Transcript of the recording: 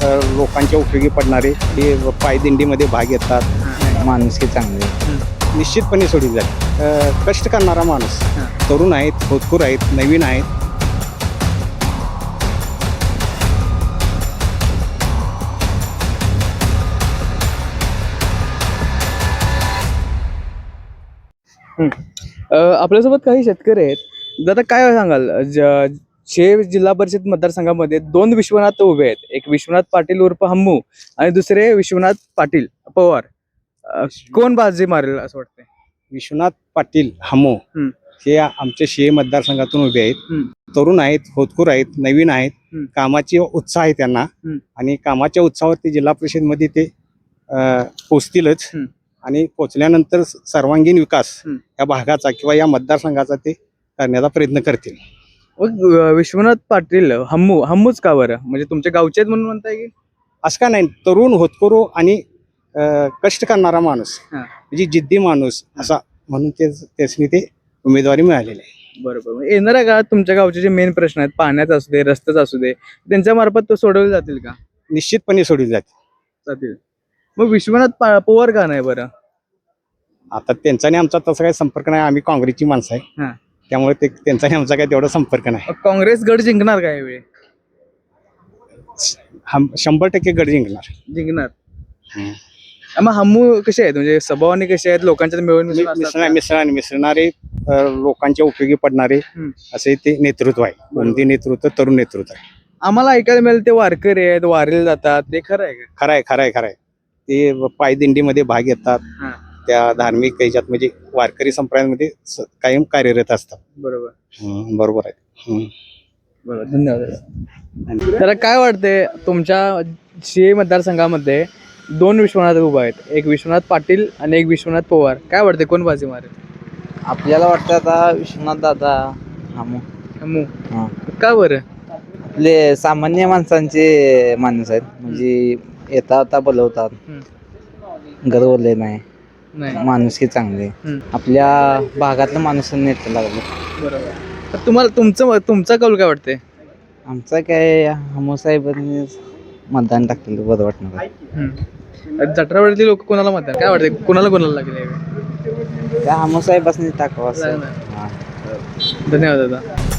लोकांच्या उपयोगी पडणारे, हे पायदिंडीमध्ये भाग घेतात, माणुसकी चांगली. निश्चितपणे सोडली जाते. कष्ट करणारा माणूस, तरुण आहेत, होतकूर आहेत, नवीन आहेत. आपल्यासोबत काही शेतकरी आहेत. दादा काय सांगाल, जिल्हा परिषद मतदारसंघामध्ये दोन विश्वनाथ उभे आहेत. एक विश्वनाथ पाटील उर्फ हम्मू आणि दुसरे विश्वनाथ पाटील पवार. कोण बाजी मारेल असं वाटतंय? विश्वनाथ पाटील हमो हे आमच्या शिये मतदारसंघातून उभे आहेत. तरुण आहेत, होतकूर आहेत, नवीन आहेत. कामाची उत्साह आहे त्यांना आणि कामाच्या उत्साहावरती जिल्हा परिषदमध्ये ते पोचतीलच आणि पोचल्यानंतर सर्वांगीण विकास या भागाचा किंवा या मतदारसंघाचा ते करण्याचा प्रयत्न करतील. विश्वनाथ पाटील हम्मूच का बरं? म्हणजे तुमच्या गावचे आहेत म्हणून म्हणताय की? असं का नाही, तरुण, होतकरू आणि कष्ट करणारा माणूस, म्हणजे जिद्दी माणूस असा म्हणून त्यासनी ते उमेदवारी मिळालेली आहे. बरोबर. येणाऱ्या काळात तुमच्या गावचे जे मेन प्रश्न आहेत, पाण्याचा असू दे, रस्त्याचा असू दे, त्यांच्या मार्फत तो सोडवले जातील का? निश्चितपणे सोडली जातील. मग विश्वनाथ पवार का नाही बरं? आता त्यांचा आणि आमचा तसा काही संपर्क नाही. आम्ही काँग्रेसची माणसं आहे, त्यामुळे त्यांचा आणि आमचा काही तेवढा संपर्क नाही. काँग्रेस गड जिंकणार का यावेळी? 100% गड जिंकणार. मग हम्मू कसे आहेत, म्हणजे स्वभावाने कसे आहेत, लोकांच्यात मिळून मिसळणारे, लोकांच्या उपयोगी पडणारे असे ते नेतृत्व आहे. कोणते नेतृत्व? तरुण नेतृत्व आहे. आम्हाला ऐकायला मिळेल ते वारकरी आहेत, वारीला जातात, ते खरं आहे का? खरंय. ते पायदिंडीमध्ये भाग घेतात, त्या धार्मिक ह्याच्यात म्हणजे वारकरी संप्रदायामध्ये कायम कार्यरत असतात. बरोबर आहे. बरोबर. धन्यवाद. तर काय वाटते, तुमच्या शिये मतदारसंघामध्ये दोन विश्वनाथ उभा आहेत, एक विश्वनाथ पाटील आणि एक विश्वनाथ पवार. काय वाटते, कोण बाजी मारेल? आपल्याला वाटतं आता विश्वनाथ दादा हम्मू. का बरं? आपले सामान्य माणसांचे माणूस आहेत, म्हणजे येता बोलवतात, गरवले नाही, माणुसकी चांगली. आपल्या भागातलं माणूस नेता लागले. बरोबर. तुम्हाला तुमचा कौल काय वाटते? आमचा काय हमू साहेबांनी मतदान टाकलेलं बरं वाटणार. जठरावरती लोक कोणाला मतदान काय वाटते, कोणाला लागेल? त्या हमू साहेबांनी टाकावं असं. धन्यवाद दादा.